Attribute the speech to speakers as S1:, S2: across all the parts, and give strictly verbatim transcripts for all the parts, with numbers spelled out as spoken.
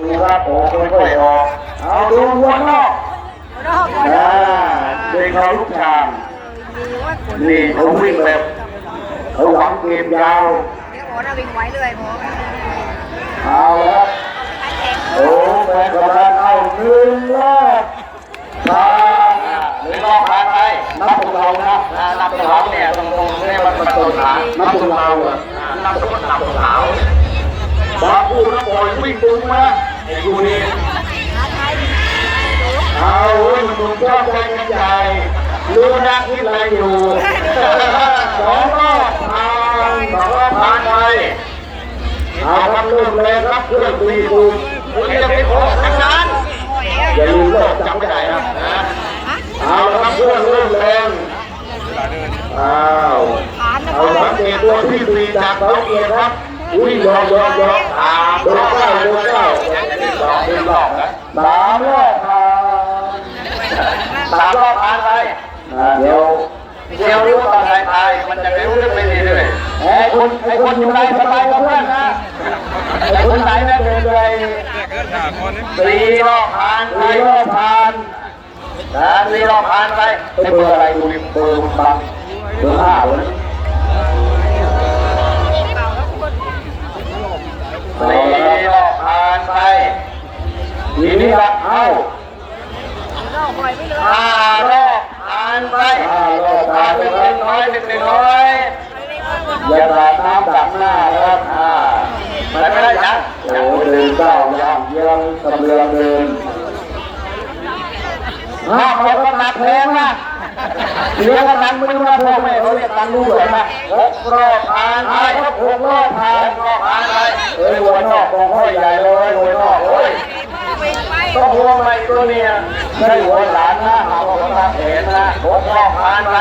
S1: ครับโอ้ค่อยๆออกเอาดูวัวนอกอ่าเด็กเขาลูกชามนี่เขาวิ่งแบบเขาหวังเกมยาว
S2: โอ้น่าวิ่งไว้เลยโอ้
S1: เอาละโอ้แฟนกำลังเอาหนึ่งรอบผ่านหรือรอบผ่านไปนับตรงเรานะนับตรงเราเนี่ยตรงตรงนี่มันมันตรงขานับตรงเราอ่ะนับตรงนับตรงขาวบาปูนับปล่อยวิ่งตรงมาไอ้กูนี่เอาเว้ยมันชอบใจกันใหญ่รู้นะคิดอะไรอยู่สองรอบผ่านสองรอบผ่านไปเอาครับเริ่มเลยครับเครื่องตีตูนคุณจะไปขอทางนั้นอย่าลืมโลกจำไม่ได้นะเอาครับเครื่องเริ่มแรงอ้าวเอาสังเกตตัวที่ตีจากเขาเกียร์ครับอุ้ยยอมยอมยอมอ่าโดนเก้าโดนเก้าสองเป็นรอบนะสามรอบผ่านสามรอบผ่านไปเดี๋ยวเดี๋ยวรู้ตอนท้ายๆมันจะไม่รู้เรื่องไม่ดีเลยไอ้คนไอ้คนอยู่ในสบายกับเพื่อนนะไอ้คนไหนนะเดินเลยสี่รอบผ่านสี่รอบผ่านนะสี่รอบผ่านไปไอ้เบอร์อะไรดูดิเบอร์บังเบอร์ห้าเลยสี่รอบผ่านไปทีนี้ละเอาห้ารอบผ่านไปห้ารอบผ่านไปหนึ่งน้อยหนึ่งหนึ่งน้อยอย่าตาน้ำดับหน้าครับอ่าไม่ไม่ได้นะโอ้เดินเก้าย่างเยี่ยงกำเรือเดินห้าเขาก็หนักแพงนะเรียกว่านังไม่รู้ว่าพ่อแม่เขาเรียกตังรู้เหรอนะหกรอบผ่านไปครับหกรอบผ่านรอบผ่านไปเอ้ยหัวนอกมองห้อยใหญ่เลยหัวนอกโอ้ยต้องหัวใหม่ตัวเนี้ยได้หัวหลานนะหาว่าเขาทำเห็นนะหกรอบผ่านไป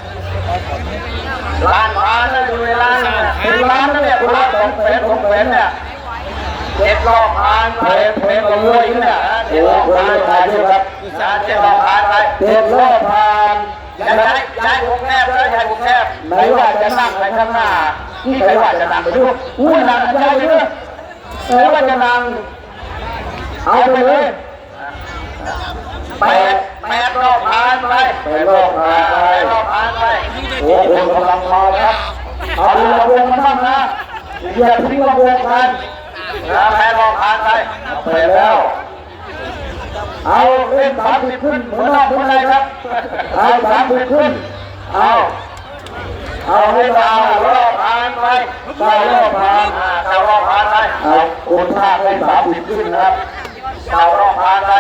S1: ล้านผ่านนะดูเวลาเป็นล้านนะเนี่ยคุณล้านสองแสนสองแสนเนี่ยเจ็ดรอบผ่านไปเพลงกับมวยเนี่ยเจ็ดรอบผ่านไปครับเจ็ดรอบผ่านไปเจ็ดรอบผ่านย้ายย้ายวงแคบเลยย้ายวงแคบไหนว่าจะนั่งไปข้างหน้าที่ไหนว่าจะนั่งไปด้วยอุ้ยนั่งย้ายไปด้วยไหนว่าจะนั่งเอาไปเลยแปดแปดรอบผ่านไปแปดรอบผ่านไปรอบผ่านไปโอ้โหกำลังมาครับเอาดูระวงมันบ้างนะอย่าทิ้งระวงกันนะแปดรอบผ่านไปไปแล้วเอาเล่นสามสิบขึ้นเหมือนนอกเหมือนอะไรครับเอาสามสิบขึ้นเอาเอาให้ดาวรอบผ่านไปดาวรอบผ่านดาวรอบผ่านไปเอาคนภาคให้สามสิบขึ้นนะครับดาวรอบผ่านไป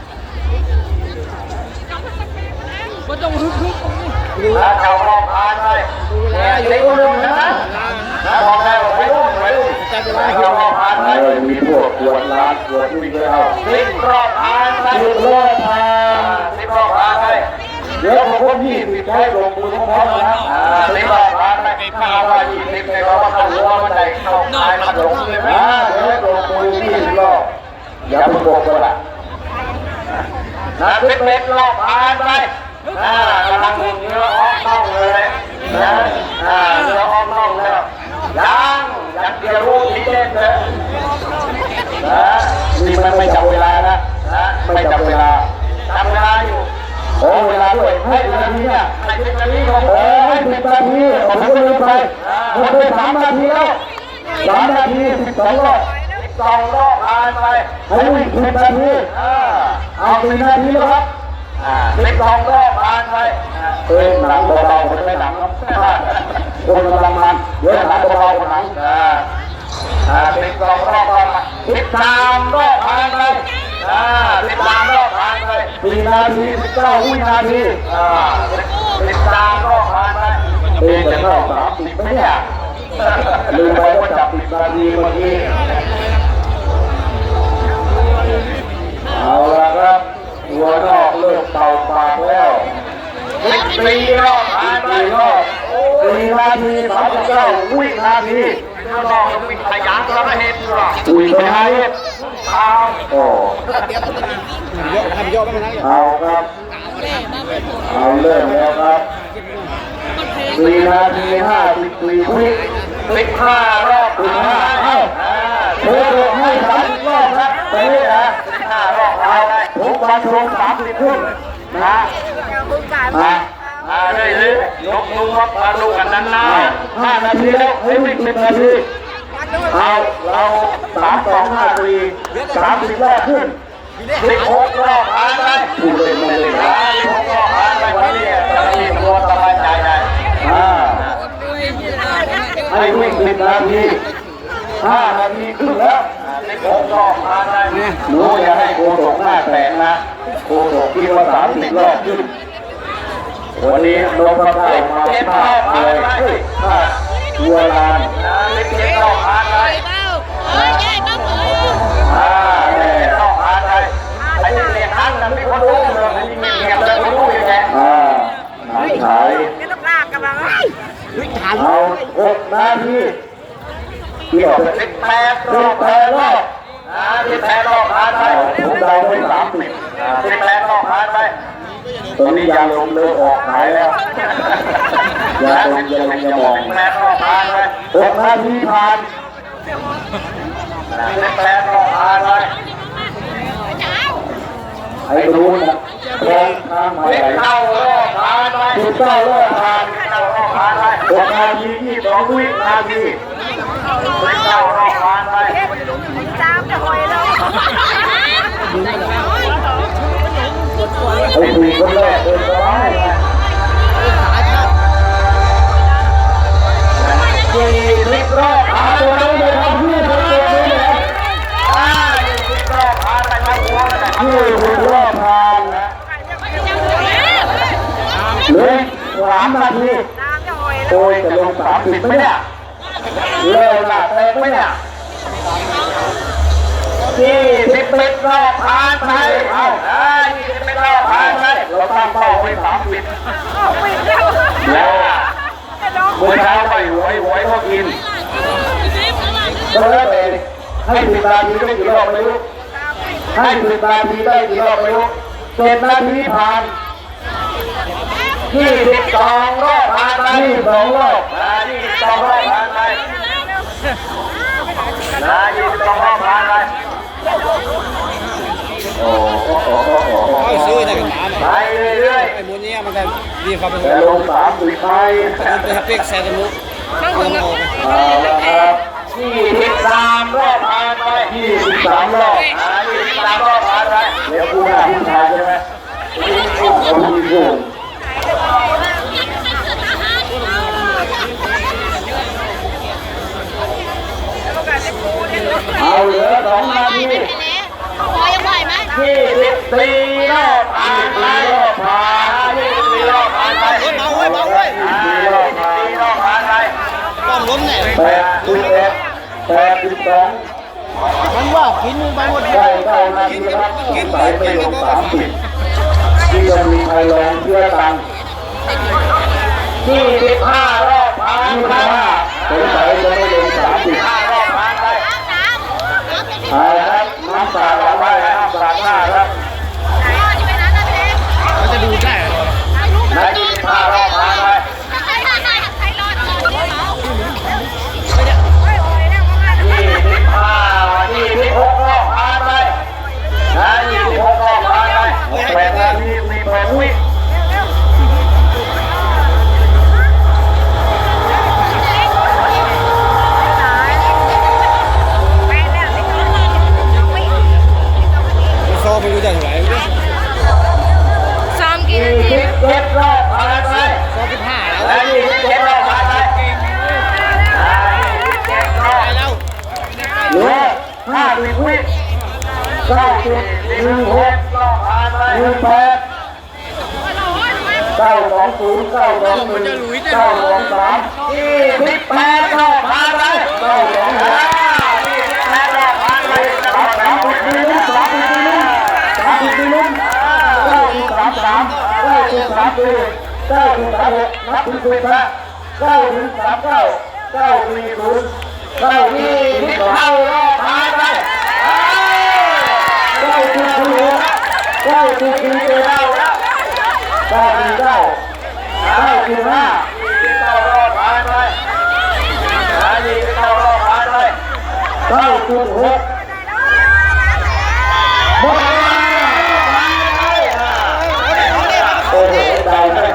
S1: ก็ต้องฮึกฮึกแล้วดาวรอบผ่านไปเนี่ยเล็กลงนะนะบอกแล้วไปรุ่นไปรุ่นดาวรอบผ่านไปมีพวกขวดล้านขวดวิ่งแล้วสิบรอบผ่านไปสิบรอบผ่านสิบรอบผ่านไปเดี๋ยวผมก็ยี่สิบใช้ลงมือพร้อมๆนะสิบรอบผ่านไปข้าวว่ายี่สิบในเราว่าเข้าหัวมันได้เข้าตายมันลงเลยไหมเดี๋ยวลงมือยี่สิบรอบอย่าเพิ่งบอกกันละนะสิบเอ็ดรอบผ่านไปอ่ากำลังเนื้อออกน่องเลยนะอ่าเนื้อออกน่องแล้วยังยังเดี๋ยวรู้ที่เล่นเลยนะนี่มันไม่จับเวลานะนะไม่จับเวลาจับเวลาอยู่โอ้เวลาด้วยให้สิบนาทีเนี่ยให้สิบนาทีของผมให้สิบนาทีผมก็ลืมไปหมดไปสามนาทีแล้วสามนาทีสิบสองรอบสิบสองรอบผ่านไปให้วิ่งสิบนาทีเอาสิบนาทีแล้วครับสิบสองรอบผ่านไปเออหนังเบาๆมันไม่หนังครับคนกำลังมันเยอะหนังเบาๆหนังสิบสองรอบผ่านไปสิบสามรอบผ่านไปสิบสามรอบผ่านไปสี่นาทีสิบเก้าวินาทีสิบสามรอบผ่านไปเองจะรอบสามสิบไหมเนี่ยลืมไปว่าจับสิบนาทีเมื่อกี้เอาละครับหัวนอกเริ่มเป่าปากแล้วสี่รอบผ่านไปรอบสี่นาทีสามสิบเก้าวินาทีรอบวิ่งขยันแล้วก็เห็นหรอวิ่งไปให้เอาโอ้เอาครับเอาเริ่มแล้วครับสี่นาทีห้าสิบสี่วิสิบห้ารอบสิบห้าเอาเธอให้สามรอบครับเตะชมสามสิบขึ้นนะ
S2: เจ้าบึงการ
S1: มามาได้เลยยกมือวัดมาดูกันนั้นนะห้านาทีแล้วเฮ้ยไม่สิบนาทีเอาเราสามสองห้าสี่สามสิบรอบขึ้นสิบหกรอบผ่านไปพูดเลยไม่เลยนะสิบหกรอบผ่านไปวันนี้จะมีตัวสบายใจได้อ่าให้วิ่งสิบนาทีห้านาทีครึ่งแล้วสิบหกรอบผ่านไปหนูอย่าให้โกศกหน้าแตกนะโกศกคิดว่าสามสิบรอบขึ้นวันนี้ลงมาได้มาเจ็บรอบผ่านไปวัวลานเจ็บรอบผ่านไปอ่าเนี่ยรอบผ่านไปไอ้เนี่ยครั้งนั้นมีคนรู้เลยไอ้นี่เงียบเลยไม่รู้ยังไงอ่าหายหาย
S2: ไม่ต้องลากกันมา
S1: เอาหกนาทีที่บอกสิบแปดรอบแปดรอบอ่าสิบแปดรอบผ่านไปผมเดาไปสามสิบสิบแปดรอบผ่านไปตอนนี้ยาลมเริ่มออกหายแล้วยาลมยาลมยาหมองสิบแปดรอบผ่านไปหกนาทีผ่านสิบแปดรอบผ่านไปไอ้รู้นะลองทางใหม่เข้ารอบผ่านไปสิบเก้ารอบผ่านเข้ารอบผ่านไปหกนาทียี่สิบสองวินาทีสิบเก้ารอบผ่านไป
S2: ตามจะหอยเรา
S1: ไอ้สี่คนแรกเดินสบายนะสี่สิบรอบผ่านตัวนี้เลยทำเพื่อตัวนี้เลยอ่ายี่สิบรอบผ่านไปทั้งหัวเลยยี่สิบรอบผ่านนะเหลือสามนาที
S2: ตามจะหอย
S1: โอ้ยจะลงสามสิบไหมเนี่ยเลิกละเตะไหมเนี่ยยี่สิบเอ็ดรอบผ่านไปเอาอ่ายี่สิบเอ็ดรอบผ่านไปเราตั้งเป้าไว้สามสิบ
S2: วิ่งเร็ว
S1: แล้วเมื่อเช้าไปหวยหวยก็กินก็แล้วแต่ให้สิบนาทีได้กี่รอบไม่รู้ให้สิบนาทีได้กี่รอบไม่รู้เจ็ดนาทีผ่านยี่สิบสองรอบผ่านไปยี่สิบสองรอบอ่ายี่สิบสองรอบผ่านไปนะยี่สิบสองรอบผ่านไปโอ้โห
S3: เอาซื้อได้กันถาม
S1: ไปเรื่อย
S3: ไอ้มูนี้มันก็ดีครับมัน
S1: ๆแต่ลงสามสิบไป
S3: เป็นฮับเปิกแซนมุกเอาเอา
S1: เอาละครับยี่สิบสามรอบผ่านไปยี่สิบสามรอบอ่ายี่สิบสามรอบผ่านไปเดี๋ยวกูหน้าผู้ชายใช่ไหมผู้ผู้เอาเหลือสองนาที
S4: พอยังไหวไหม
S1: ยี่สิบสี่รอบผ่านไปรอบผ่านยี่สิบสี่รอบผ่านไป
S3: เบาไว้เบาไว้
S1: ยี่สิบสี่รอบผ่านรอบผ่านไป
S3: ป้อมล้มเนี่ย
S1: แปดสิบเอ็ดแปดสิบสอง
S3: มันว่ากินมึงไปหมด
S1: ได้เก้านาทีครับสงสัยไม่ลงสามสิบที่ยังมีใครลองเชื่อตังยี่สิบห้ารอบผ่านไปสงสัยจะไม่ลงสามสิบห้ารอบผ่านไป
S4: น้ำน้ำเป็นพี่
S1: เอาละครับน้ำตาเราได้น้ำตาหน้าครับ
S4: พ่อที่ไปนั้นนะเจ๊
S3: มันจะดูได้
S1: และยี่สิบห้ารอบผ่านไป
S4: ใครใครใครใครรอดก่อนเนี่ยเหรอ
S1: ยี่สิบห้ายี่สิบหกรอบผ่านไปนะยี่สิบหกรอบผ่านไปแปดนาทีสี่แปดวิ
S3: โซ่ไม่รู้จะเท่าไหร่
S4: ซ้อมกี่นา
S1: ยี่
S4: ที
S1: สิบเจ็ดรอบผ่านไป
S3: โซ่สิบห้าแล้ว
S1: และยี่สิบเจ็ดรอบผ่านไปอ่ายี่สิบเจ็ดรอบ
S3: ไปแล้ว
S1: เหลือห้าสิบวิเก้าสิบหนึ่งหกรอบผ่านไปหนึ่งแปดเก้าสองศูนย์เก้าสองหนึ่งเก้าสองสามยี่สิบแปดรอบผ่านไปเก้าสองห้ายี่สิบแปดรอบผ่านไปสามสามสิบปีลุ้นสามสิบปีลุ้นสามสิบปีลุ้นเก้าสิบสามสามเก้าสิบสามปีเก้าสิบสามหกนับถึงสิบนะเก้าถึงสามเก้าเก้าสี่ศูนย์เก้ายี่สิบเข้ารอบผ่านไปเก้าสิบสี่เก้าสิบสี่เก้าแล้วเก้าสี่เก้าเก้าสิบห้ายี่สิบเข้ารอบผ่านไปยี่สิบเข้ารอบผ่านไปเก้าสิบหกหมดเวลาเราได้